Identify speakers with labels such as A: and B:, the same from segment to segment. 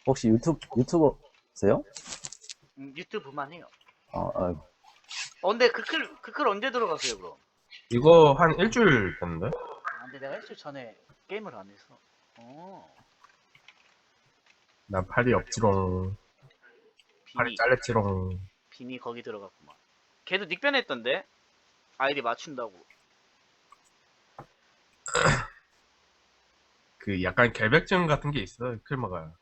A: 혹시 유튜버세요?
B: 유튜브만 해요.
A: 아이고.
B: 근데 그 클 언제 들어갔어요, 그럼?
C: 이거 한 일주일 됐는데?
B: 근데 내가 일주일 전에 게임을 안 해서.
C: 나 팔이 없지롱. 팔이
B: 비니,
C: 잘렸지롱.
B: 비니 거기 들어갔구만. 걔도 닉변했던데? 아이디 맞춘다고.
C: 그 약간 결백증 같은 게 있어, 클마가.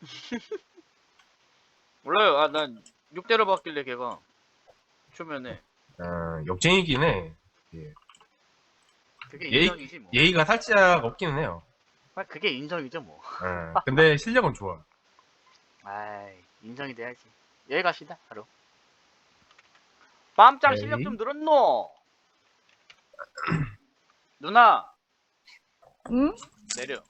B: 몰라요. 난 6대로 봤길래 걔가. 초면에.
C: 욕쟁이긴 해. 예.
B: 그게 인정이지, 뭐.
C: 예의가 살짝 없기는 해요.
B: 그게 인정이죠, 뭐.
C: 근데 실력은 좋아.
B: 아이, 인정이 돼야지. 여기 갑시다, 바로. 빰짱 실력
C: 오케이.
B: 좀 늘었노? 누나,
D: 응?
B: 내려.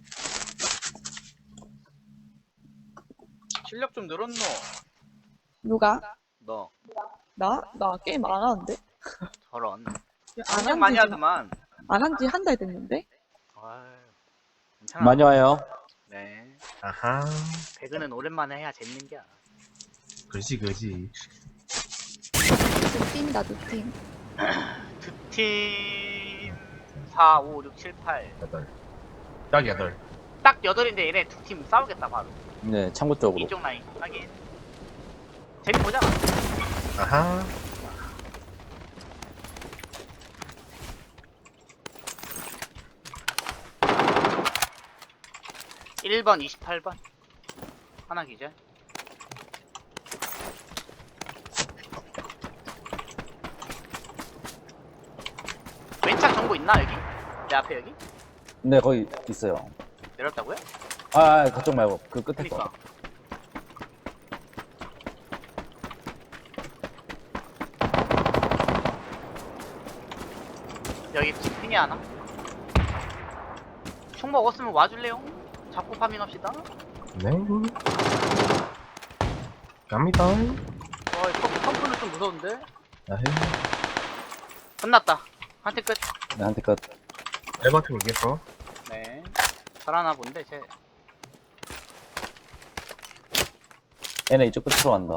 B: 실력 좀 늘었노?
D: 누가?
B: 너,
D: 나 게임 안 하는데?
B: 저런.
D: 안
B: 굉장히 많이
D: 한지
B: 하더만.
D: 안 한 지 한 달 됐는데?
B: 아유, 괜찮아.
A: 많이 와요.
B: 네.
C: 아하.
B: 배그는 오랜만에 해야 재밌는겨.
C: 그지.
D: 두 팀이다, 두 팀.
B: 두 팀, 4, 5, 6, 7, 8.
C: 8. 딱 8.
B: 딱 8인데 얘네 두 팀 싸우겠다, 바로.
A: 네, 창구 쪽으로.
B: 이쪽 라인. 하긴. 재미보잖아.
C: 아하.
B: 일 번 28번. 하나 기절. 왼쪽 정보 있나, 여기? 내 앞에 여기?
A: 네, 거기 있어요.
B: 내렸다고요?
A: 그쪽 말고, 그 끝에 거.
B: 그니까. 여기 핑이 하나? 총 먹었으면 와줄래요? 잡고 파밍합시다.
C: 네. 갑니다.
B: 펌프는 좀 무서운데?
A: 아헤.
B: 끝났다. 한테 끝.
A: 네, 한대 끝.
C: 에버튼 이겼어.
B: 네. 잘하나 본데, 쟤.
A: 얘네 이쪽 끝으로 간다.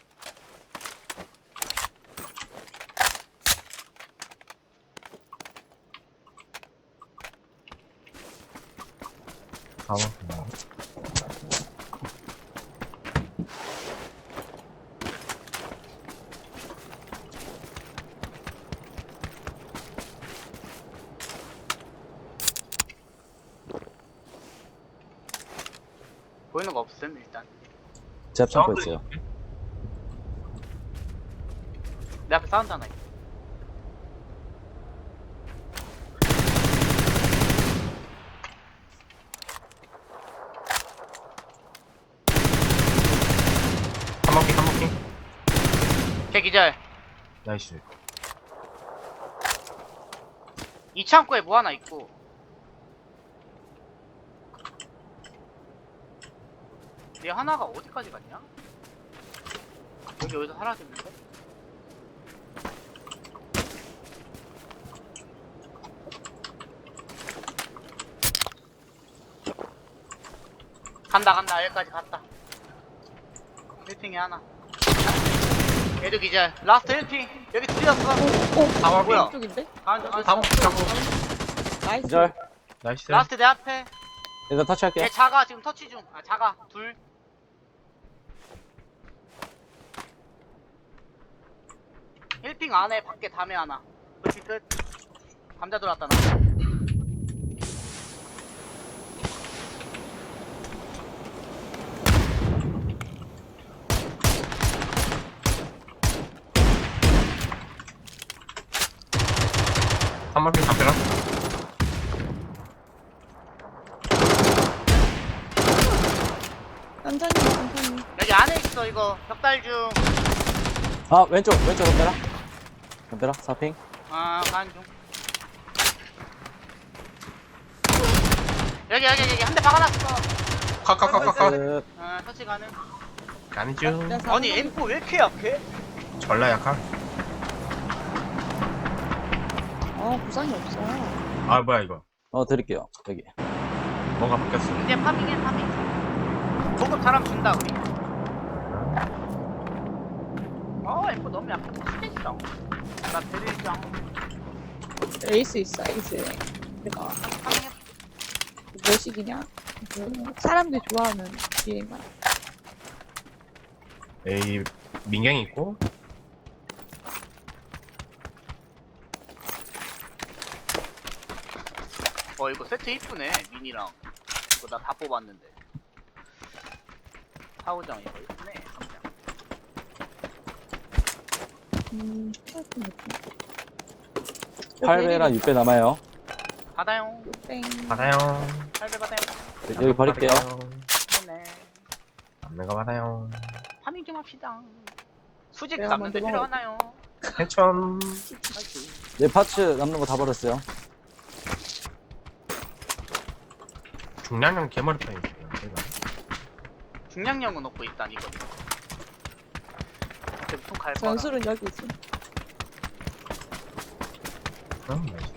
C: 가봐.
B: 보이는 거 없음, 일단.
A: 제 앞 창고 있어요.
B: 내 앞에 사운드 하나 있어.
C: 한 바퀴.
B: 걔 기절.
C: 나이스.
B: 이 창고에 뭐 하나 있고. 얘 하나가 어디까지 갔냐? 여기서 사라졌는데? 간다. 여기까지 갔다. 1핑에 하나. 얘도 기절. 라스트 1핑. 여기 둘이었어.
C: 다
B: 뭐야?
D: 이쪽인데?
B: 다
D: 나이스.
A: 기절.
C: 나이스.
B: 라스트 내 앞에.
A: 일단 터치할게요.
B: 얘 자가 지금 터치 중. 자가 둘. 힐핑 안에 밖에 담에 하나. 그렇게 끝. 감자 들어왔다 나.
C: 한 바퀴 담벼라.
D: 천천히.
B: 여기 안에 있어 이거. 벽달 중.
A: 왼쪽 덤벼라. 덤벼라, 4핑.
B: 가는 중. 여기 한 대 박아놨어.
C: 카.
A: 끝.
B: 터치 가능.
C: 아니죠.
B: 아니 M4 왜 이렇게 약해?
C: 전라 약한.
D: 부상이 없어.
C: 아, 뭐야 이거.
A: 드릴게요. 여기.
C: 뭔가 바뀌었어.
B: 이제 파밍해 파밍. 보급 M4 사람 준다 우리. M4 너무 약간 스테이션. 나 데리장.
D: 에이스 있어, 에이스. 내가 몇식이냐? 사람들이 좋아하는 비행만.
C: 에이 민경이 있고
B: 이거 세트 이쁘네 미니랑. 이거 나 다 뽑았는데. 사우장 이거 이쁘네. 감장.
D: 하여튼 느낌.
A: 8배랑 6배 남아요.
B: 받아요.
D: 땡.
C: 받아요.
B: 8배 받아요.
A: 여기 버릴게요.
B: 네네.
C: 남는 거 받아요.
B: 파밍 좀 합시다. 수직
D: 내가
B: 잡는데
D: 먼저
B: 필요하나요?
C: 해천.
A: 네, 파츠 남는 거 다 버렸어요.
C: 중량형 개머리 편이 있어요. 제가.
B: 중량형은 넣고 있다 이거. 무슨 갈 거야?
D: 전술은 여기 있어.
C: 나이스.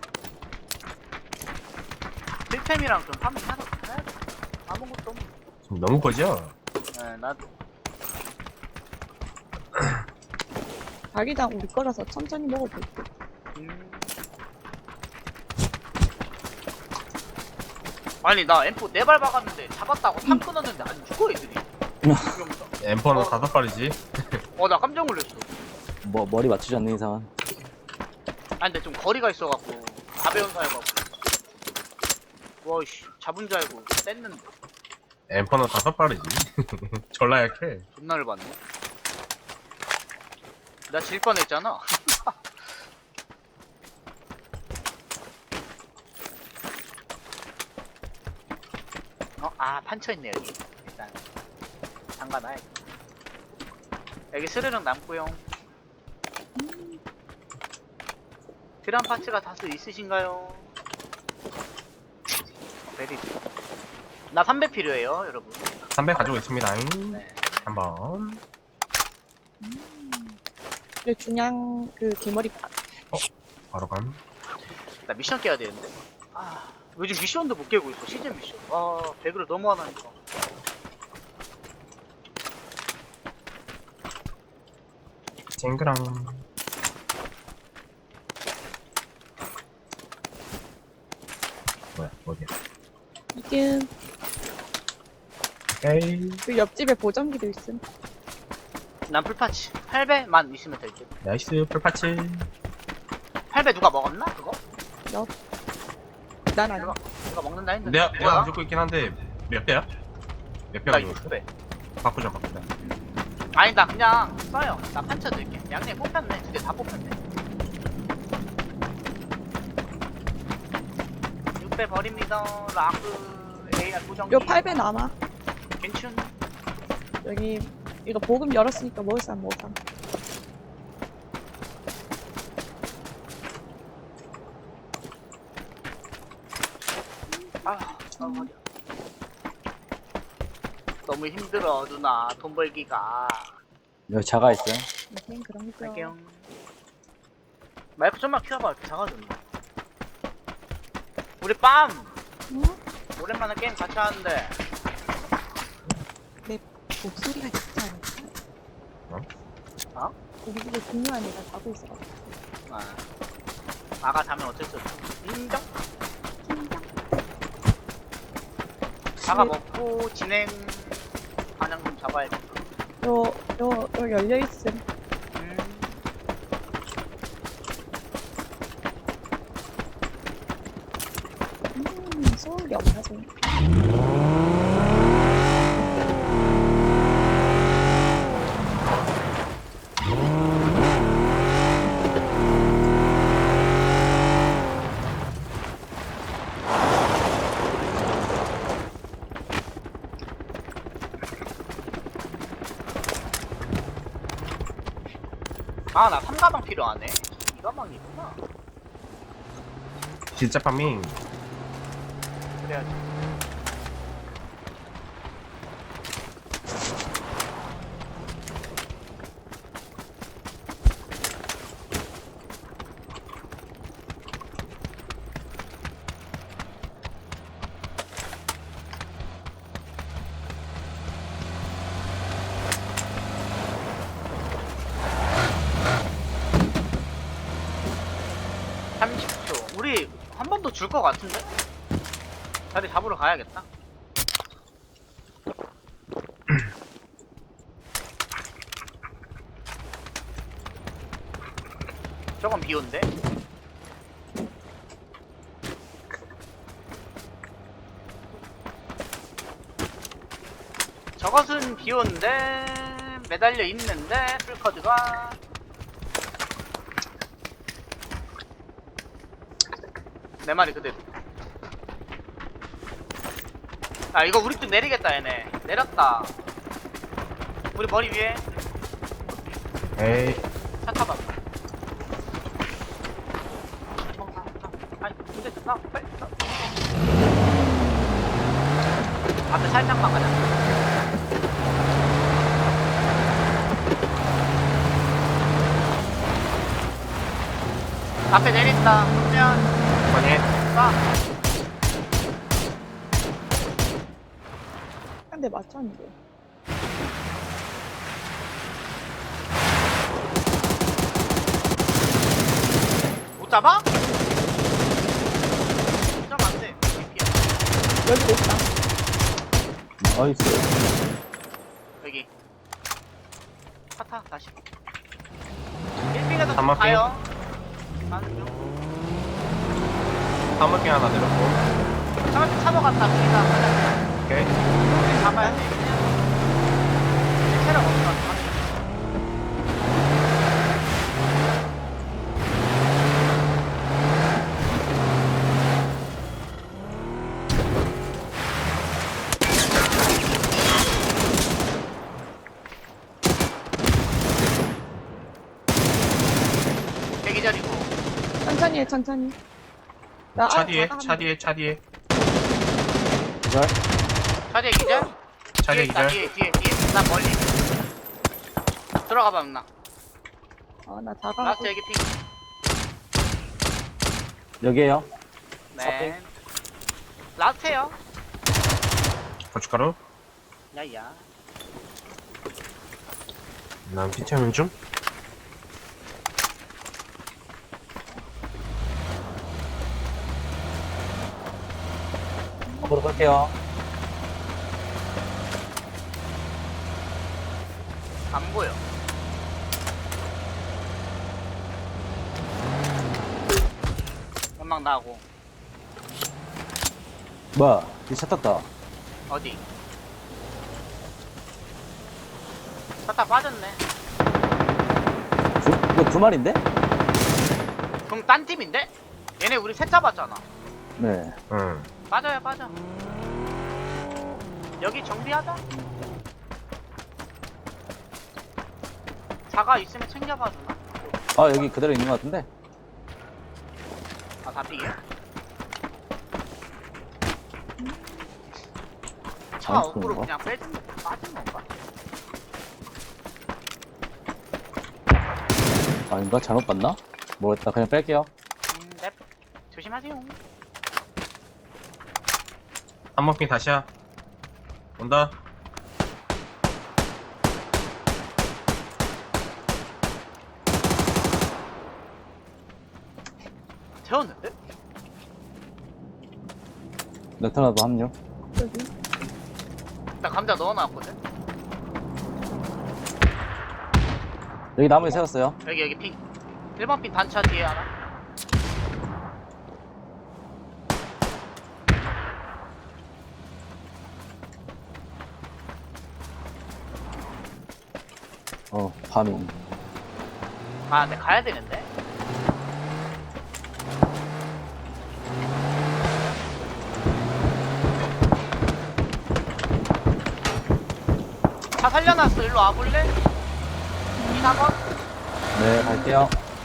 B: 필템이랑 좀 파밍 하러 가야 돼. 아무것도 없네.
C: 지금 너무 거죠?
B: 네, 나도.
D: 자기장 우리 거라서 천천히 먹어도 돼.
B: 아니 나 M4 4발 박았는데 잡았다고 탑 끊었는데 안 죽어 애들이. 이러면서.
C: 엠퍼는 5발이지.
B: 나 깜짝 놀랐어.
A: 뭐, 머리 맞추지 않는 이상은.
B: 아니 근데 좀 거리가 있어갖고 가벼운 사여갖고. 와씨 잡은 줄 알고 뗐는데
C: 엠퍼는 5발이지. 졸라 약해.
B: 존나 열받네. 나 질 뻔했잖아. 판쳐있네 여기. 일단 잠가놔야지. 여기 스르륵 남고요. 드럼 파츠가 다수 있으신가요? 베리. 나 3배 필요해요 여러분.
C: 300 가지고 있습니다.
B: 네.
C: 한번.
D: 그리고 중량 그 개머리
C: 바로 감.
B: 나 미션 깨야 되는데. 요즘 미션도 못 깨고 있어. 시즌 미션. 배그를 너무 안 하니까.
C: 쨍그랑. 뭐야, 어디야?
D: 이게
C: 오케이.
D: 그 옆집에 보정기도 있음.
B: 난 풀파츠 8배만 있으면 될 듯.
C: 나이스, 풀파츠.
B: 8배 누가 먹었나 그거?
D: 난 아니야.
B: 누가 먹는다 했는데.
C: 내가 가지고 있긴 한데, 몇 배야? 몇 배
B: 나
C: 가지고 있어?
B: 6배.
C: 바꾸자.
B: 아니 나 그냥 써요. 나 판쳐 드릴게. 양념 뽑혔네. 2개 다 뽑혔네. 6배 버립니다. 라그 AR 고정.
D: 요 8배 남아.
B: 괜춘.
D: 여기 이거 보금 열었으니까 먹을 사람 먹어.
B: 허리야. 너무 힘들어 누나 돈 벌기가.
A: 여기 자가 있어요.
D: 그런 거.
B: 갈게요. 마이크 좀만 키워봐. 작아졌네. 우리 빰!
D: 응?
B: 오랜만에 게임 같이 하는데
D: 목소리가 진짜 않을까?
B: 어?
D: 우리 집에 중요한 애가 자고 있어.
B: 아가 자면 어쩔 수 없어. 인정? 아가 먹고 진행 반영 좀 잡아야지.
D: 요 열려 있음. 소울이 없나 좀.
B: 나 3가방 필요하네. 2가방이 있구나.
C: 진짜 파밍.
B: 그래야지. 이거 줄 것 같은데? 자리 잡으러 가야겠다. 저건 비온데? 저것은 비온데 매달려 있는데 풀커드가 내 말이 그대로. 아 이거 우리 또 내리겠다 얘네. 내렸다. 우리 머리 위에
C: 에이.
B: 차 타봐. 아니 근데 나 빨리 타. 앞에 살짝만 가자. 앞에 내린다. 그러면
C: 아니.
B: 쏴.
D: 한 대 맞췄는데.
B: 못 잡아? 잡으면 안 돼.
D: 여기도 있다.
A: 나이스.
B: 여기. 타타 다시. 1핑에서
C: 한번
B: 가요. 가는 중.
C: 한번핑 하나 내렸고.
B: 차한테 차고 갔다. 우리가 가자.
C: 오케이.
B: 우리 잡아야 돼. 그냥. 체력 없어. 가자. 대기자리고.
D: 천천히 해, 천천히. 나
C: 차
D: 아,
C: 뒤에,
D: 나가
C: 차 뒤에, 차 뒤에.
A: 기절.
B: 차대 기자?
C: 차 뒤에
B: 있다,
C: 기절.
B: 뒤에. 나 멀리. 들어가봐, 누나.
D: 나 다가가고.
B: 라스트 여기 핑.
A: 여기에요.
B: 네. 라스트에요.
C: 고춧가루.
B: 야야.
C: 난 피치하는 중.
A: 앞으로 갈게요.
B: 안 보여. 연막 나고.
A: 뭐야? 이차 탔다.
B: 어디? 차타 빠졌네.
A: 이거 두 마리인데?
B: 그럼 딴 팀인데? 얘네 우리 셋 잡았잖아.
A: 네.
C: 응.
B: 빠져요, 빠져. 여기 정비하자. 자가 있으면 챙겨봐 주나?
A: 아, 여기 그대로 있는 것 같은데?
B: 아, 잡히게? 차
A: 안
B: 업으로
A: 쓰는
B: 그냥 빠진 건가?
A: 아닌가? 잘못 봤나? 모르겠다. 그냥 뺄게요.
B: 넵. 조심하세요.
C: 한번핑 다시야. 온다.
B: 태웠는데?
A: 레터나도 합류.
D: 여기.
B: 나 감자 넣어놨거든?
A: 여기 나무에 세웠어요.
B: 여기 핑. 1번 핑 단차 뒤에 하나.
A: 파밍.
B: 아, 근데 가야 되는데? 차 살려놨어. 일로 와볼래? 2, 4번?
A: 네, 갈게요.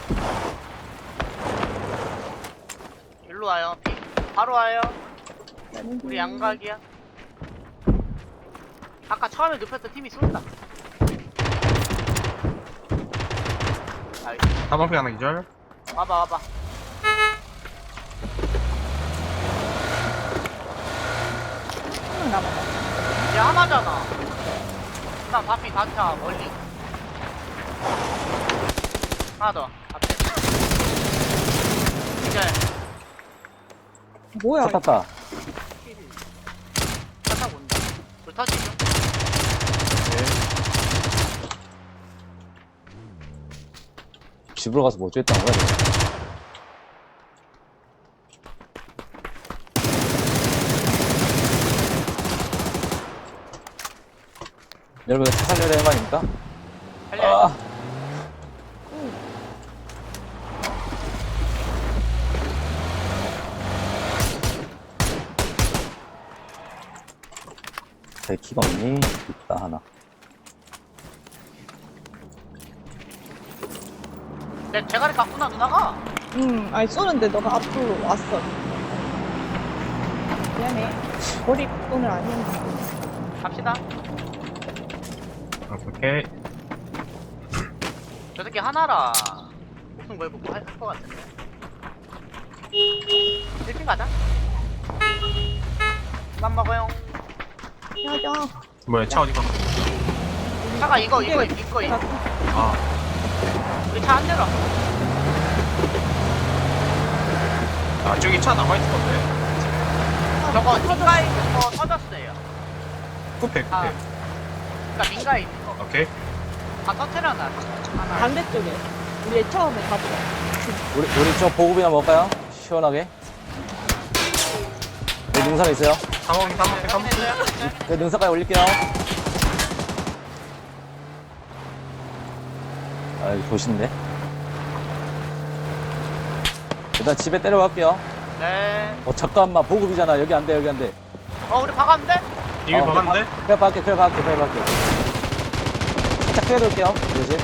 B: 일로 와요. 핑. 바로 와요.
D: 나는
B: 우리 양각이야. 아까 처음에 눕혔던 팀이 쏜다. 나이스.
C: 한번핑 하나 기절.
B: 와봐.
D: 한명 남았다.
B: 이제 하나잖아. 그 다음 바피 단차 멀리. 하나 더. 앞에. 이제
D: 뭐야?
A: 차 탔다.
B: 차 타고 온다. 불 터지죠?
A: 집으로 가서 뭐 어쩌겠다는 거야, 지금. 여러분, 차 살려야 되는 거 아닙니까?
B: 살려야죠.
A: 아, 제 키가 없니? 있다, 하나.
B: 내 대가리 깎구나, 누나가.
D: 응, 아니 쏘는데 너가 앞으로 왔어. 미안해. 머리 오늘 아니었는데.
B: 갑시다.
C: 오케이.
B: 저 새끼 하나라. 목숨 걸고 뭐 할 것 같은데. 1핀 가자. 그만 먹어요.
D: 야야.
C: 뭐야, 차 어디가?
B: 차가 이거.
C: 아,
B: 우리 차 안 내려.
C: 아, 저기 차 남아있을 건데.
B: 저거 민가에 있는 거 터졌어요.
C: 쿠페, 쿠페.
B: 아. 그니까 민가에 있는 거.
C: 오케이.
B: 다 터트려놔. 하나.
D: 반대쪽에. 우리 처음에 가보자.
A: 우리 저 보급이나 먹을까요? 시원하게. 여기 능선에 있어요.
C: 상호기, 상호기, 상호기.
B: 확인했어요?
A: 그 능선까지 올릴게요. 아, 이거 도시인데. 일단 집에 때려갈게요.
B: 네.
A: 잠깐만, 보급이잖아. 여기 안 돼, 여기 안 돼.
B: 우리 박았는데?
C: 이미 박았는데?
A: 그래, 밖에. 살짝 피해둘게요. 그러지?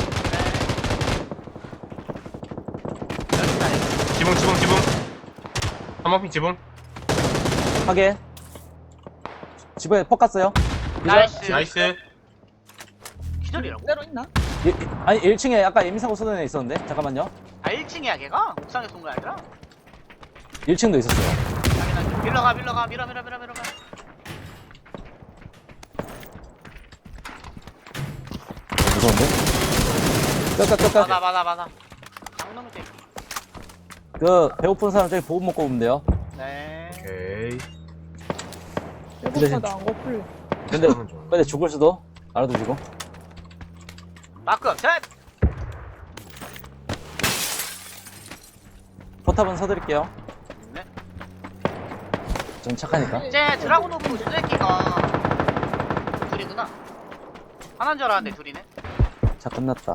C: 지붕. 한번핀 지붕.
A: 하게. 집에 폭 갔어요.
B: 나이스.
C: 나이스.
B: 기절이라고?
D: 그대로 있나?
A: 아니, 1층에 아까 예민사고 쏘는 애 있었는데? 잠깐만요.
B: 아 1층이야 걔가? 옥상에 쏜 거 아니라?
A: 1층도 있었어요.
B: 당연하지. 밀러가 밀어.
A: 무서운데? 끝.
B: 맞아. 장놈의 새끼.
A: 배고픈 사람 저기 보급 먹고 오면 돼요.
B: 네.
C: 오케이.
D: 배고파도 안 고플래.
A: 근데 죽을 수도. 알아두시고.
B: 마크 셋!
A: 포탑은 서드릴게요.
B: 네.
A: 좀 착하니까.
B: 쟤 드라곤 오브 저 새끼가 둘이구나. 하나인 줄 알았는데 둘이네.
A: 자, 끝났다.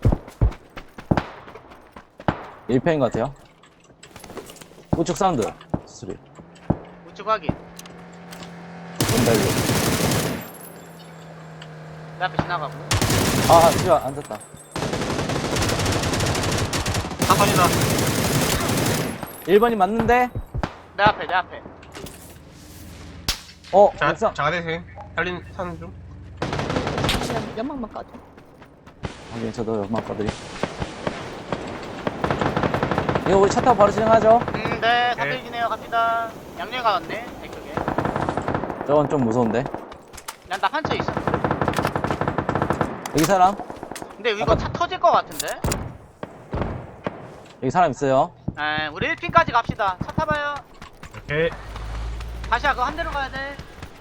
A: 1편인 것 같아요. 우측 사운드. 수리.
B: 우측 확인.
A: 온다, 이거.
B: 내 앞에 지나가고.
A: 아, 지금 안 zas다.
C: 사선이다.
A: 1번이 맞는데?
B: 내 앞에.
C: 자,
A: 옥상.
C: 장하대생. 살린, 사는 중.
D: 그냥 연막만 까줘.
A: 하긴, 저도 연막 꺼드리. 이거 우리 차 타고 바로 진행하죠?
B: 네. 사들지네요. 갑니다. 양념 가왔네. 이쪽에.
A: 저건 좀 무서운데.
B: 난 나 판처 있어.
A: 여기 사람?
B: 근데 이거 차 터질 것 같은데?
A: 여기 사람 있어요.
B: 에, 우리 1핀까지 갑시다. 차 타봐요.
C: 오케이.
B: 다시야 그거 한 대로 가야 돼.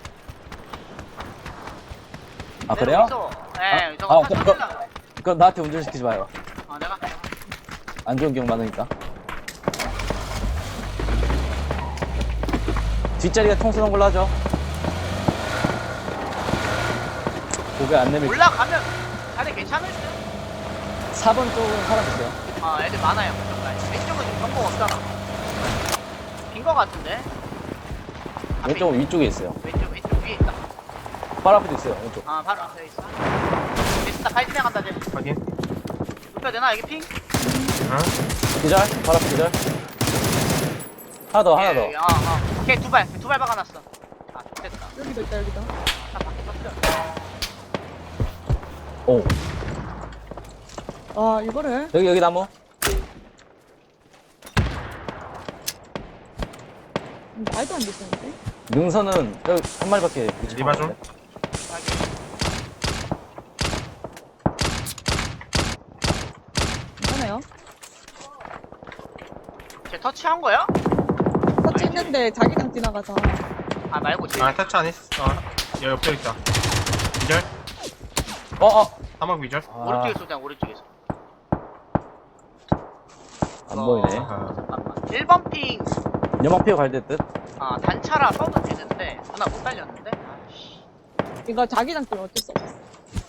A: 아, 그래요?
B: 네, 저거 차 터질라.
A: 그럼 나한테 운전시키지 마요.
B: 내가.
A: 안 좋은 기억 많으니까. 뒷자리가 총 쏘는 걸로 하죠. 고개 안 내밀.
B: 올라가면 자리 괜찮을 듯?
A: 4번 쪽은 사람 있어요.
B: 아, 애들 많아요. 왼쪽은 지금 정보가 없잖아. 빈 거 같은데? 앞에
A: 왼쪽은 위쪽에 있어요.
B: 왼쪽 위에 있다.
A: 바로 앞에도 있어요. 왼쪽.
B: 아, 바로 앞에 있어. 됐다, 팔 진행한다, 쟤.
C: 확인.
B: 눕혀야 되나, 여기 핑?
A: 기절. 바로 앞에 기절. 하나 더.
B: 걔 두 발 박아놨어. 아, 됐다.
D: 여기도 있다, 여기도.
B: 딱 밖에 섰어.
A: 오.
D: 아, 이거를.
A: 여기 나무.
D: 말도 안 되시는데?
A: 능선은 여기 한 마리밖에 위치
C: 리바 좀.
D: 괜찮아요?
B: 쟤 터치한 거야?
D: 설치했는데 자기장 지나가서.
B: 아 말고 제
C: 아 터치 안 했어. 여기 옆에 있다. 기절. 사막 기절.
B: 오른쪽에 쏘자 오른쪽에서.
A: 안 보이네.
C: 아,
B: 잠깐만. 1번 핑.
A: 연막 피어 갈때 뜻?
B: 아 단차라 써도 되는데 누나 못 달렸는데. 아씨.
D: 이거 자기장 때문에 어쩔 수 없어.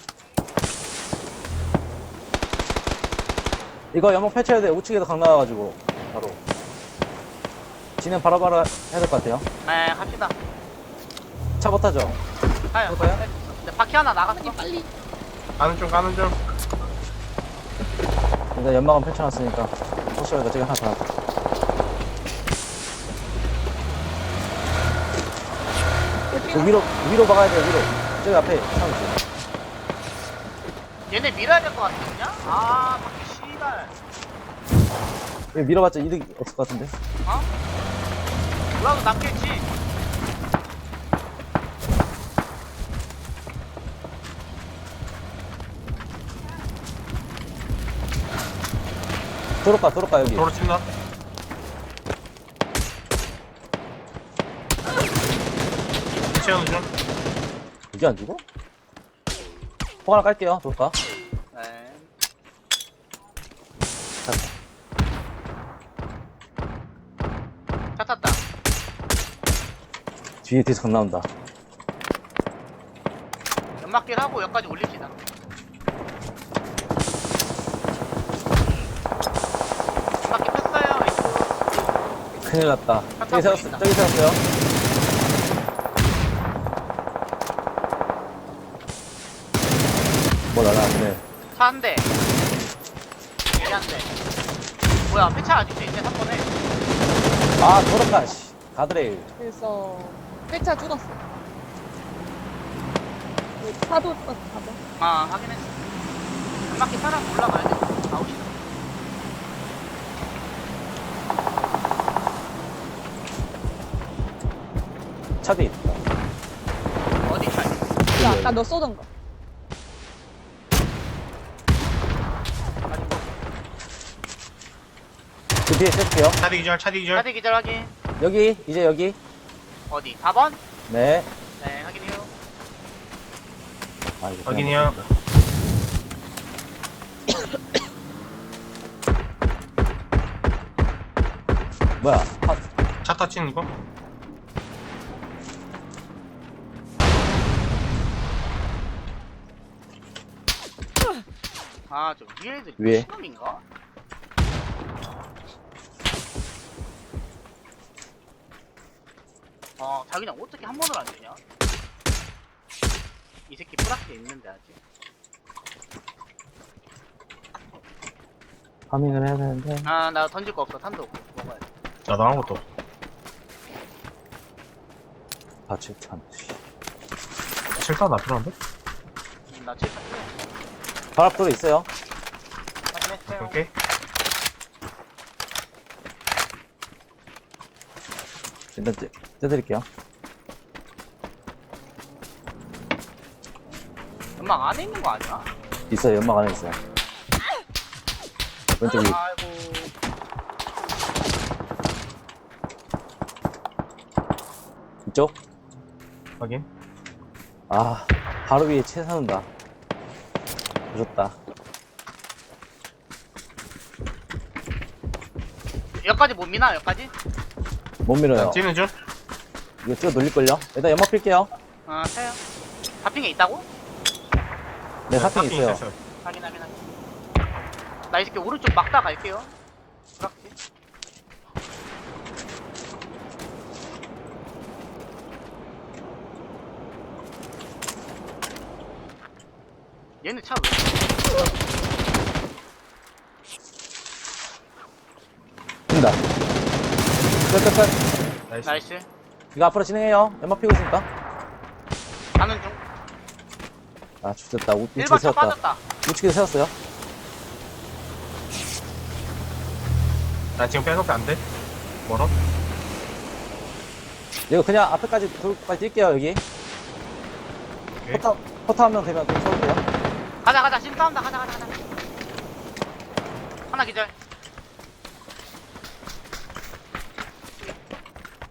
A: 이거 연막 펼쳐야 돼. 우측에서 강 나와가지고. 바로. 진행 바로바로 해야 될 것 같아요.
B: 네 갑시다.
A: 차 못 타죠?
B: 가요.
A: 그럴까요?
B: 근데 바퀴 하나 나갔어.
D: 빨리.
C: 가는 중.
A: 일단 연막은 펼쳐놨으니까. 혹시라도 저기 하나 더 하자. 그 위로 박아야 돼, 위로. 저기 앞에 차 있어.
B: 얘네 밀어야 될 것 같아 그냥? 아 바퀴 씨발.
A: 여기 밀어봤자 이득 없을 것 같은데.
B: 어? 몰라도 남겠지.
A: 도로가, 여기.
C: 도로 침나. 채우는 중.
A: 이게 안 죽어? 폭 하나 깔게요, 도로가.
B: 네. 차 탔다.
A: 뒤에서 강 나온다.
B: 연막길 하고 여기까지 올립시다. 연막길 폈어요. 이쪽.
A: 큰일 났다.
B: 깜짝 놀랐다.
A: 저기 세웠어요. 뭐 날아갔네.
B: 차 한 대. 이 한 대. 뭐야 폐차 아직도 있네 3번에.
A: 아, 도로가, 씨. 가드레일.
D: 그래서 회차 죽었어. 파도 떴어, 파도.
B: 아 확인했어. 연막길 타라고 올라가야 돼. 아웃이다.
A: 차 뒤에 있다.
B: 어디 차?
D: 그 아까 너 쏘던 거.
A: 그 뒤에 세울게요.
C: 차디 기절.
B: 차대 기절 확인.
A: 여기, 이제 여기.
B: 어디? 4번?
A: 네.
B: 네 확인해요.
A: 아, 이거 그냥
C: 확인이요.
A: 뭐야?
C: 차 터치는 거?
B: 아저 위에 애들
A: 위에.
B: 미친놈인가? 자기장 어떻게 한 번을 안 주냐? 이 새끼 플라스에 있는데 아직.
A: 파밍을 해야 되는데.
B: 아 나 던질 거 없어. 탄도 없고 먹어야 돼.
C: 나도 아무것도 없어.
A: 아, 참.
C: 실사 나 필요한데?
B: 나 칠판
A: 발 앞도로 있어요.
B: 확인했어요.
C: 오케이.
A: 일단 떼드릴게요.
B: 연막 안에 있는 거 아니야?
A: 있어요. 연막 안에 있어요. 왼쪽 위.
B: 아이고.
A: 이쪽?
C: 확인.
A: 아, 바로 위에 채 사는다. 무섭다.
B: 여기까지 못 미나? 여기까지?
A: 못 밀어요.
C: 찌는 중.
A: 이거 찍어 놀릴걸요? 일단 연막 필게요.
B: 아 타요. 다핑에 있다고?
A: 네, 사핑 있어요.
B: 확인. 나 이 새끼 오른쪽 막다 갈게요. 그렇지. 얘는 차 왜?
A: 된다. 끝.
C: 나이스.
B: 나이스.
A: 이거 앞으로 진행해요. 연막 피고 있으니까.
B: 가는 중.
A: 아, 죽겠다. 우측에
B: 1번 차
A: 세웠다.
B: 빠졌다.
A: 우측에 세웠어요.
C: 나 지금 백업 안 돼? 멀어?
A: 이거 그냥 앞에까지 돌까지 뛸게요, 여기.
C: 오케이.
A: 포터 한 명 되면 좀 쳐볼게요.
B: 가자. 지금 싸운다. 가자. 하나 기절.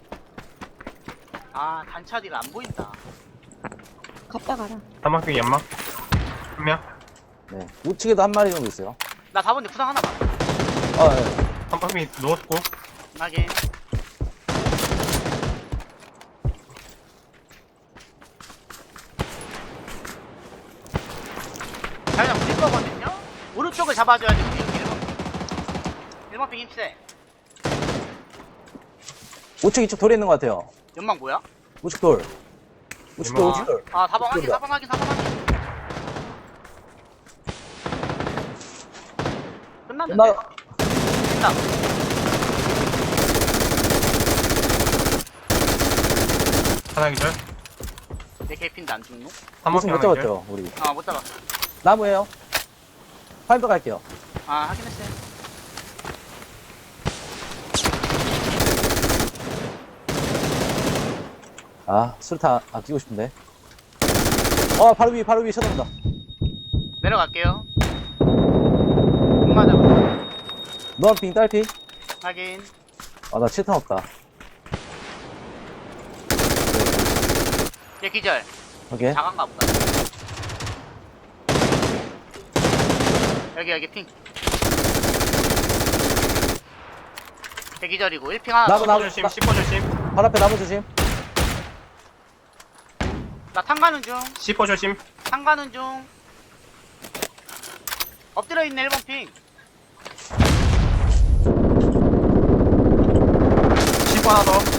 B: 아 단차디가 안 보인다.
D: 갔다 가라.
C: 사막빙 연막. 한 명.
A: 네. 우측에도 한 마리 정도 있어요.
B: 나 4번에 부상 하나 봐.
A: 아, 네.
C: 사막빙 누웠고.
B: 확인. 자기장 우리 거거든요? 오른쪽을 잡아줘야지 우리 여기 1번 1번 핑 힘세.
A: 우측 이쪽 돌에 있는 것 같아요.
B: 연막 뭐야?
A: 우측 돌. 우측 돌,
C: 이모.
A: 우측 돌.
B: 아 4번 확인
A: 이쪽이다.
B: 4번 확인 4번 확인. 끝났는데?
A: 나,
B: 됐다.
C: 하나 기절.
B: 내 개핀도 안 죽노?
A: 우측
C: 사막빙
A: 못
C: 하나 기절.
A: 잡았죠, 우리.
B: 아 못 잡았어.
A: 나무에요. 파이브 갈게요.
B: 아 확인했어요.
A: 아, 수류탄 아끼고 싶은데. 바로 위에 쳐다본다.
B: 내려갈게요. 못 맞아봐.
A: 넌 빙 딸피?
B: 확인.
A: 아, 나 칠탄 없다.
B: 얘 기절.
A: 오케이.
B: 작은가 보다. 여기 핑. 얘 기절이고 1핑 하나
A: 나무,
B: 더.
A: 나무.
C: 10호 조심. 10호 조심.
A: 발 앞에 나무 조심.
B: 나 탄가는 중.
C: 10호 조심.
B: 탄가는 중. 엎드려 있네 1번 핑.
C: 10호 하나 더.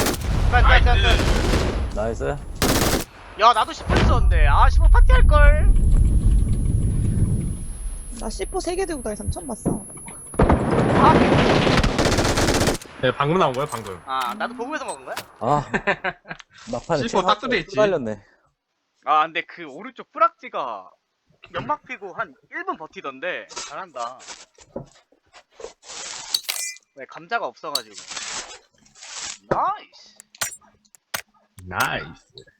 B: 끝.
A: 나이스.
B: 야 나도 10분 있었는데. 아 15 파티 할걸.
D: 나 C4 3개 들고 다니는 사람 처음 봤어.
B: 아,
C: 네, 방금 나온 거예요, 방금.
B: 아 나도 보고에서 먹은 거야?
A: 아, 막판에
C: C4 딱 뜯어 있지.
A: 달렸네.
B: 아 근데 그 오른쪽 뿌락지가 연막 피고 한 1분 버티던데 잘한다. 왜 감자가 없어가지고. 나이스.
C: 나이스.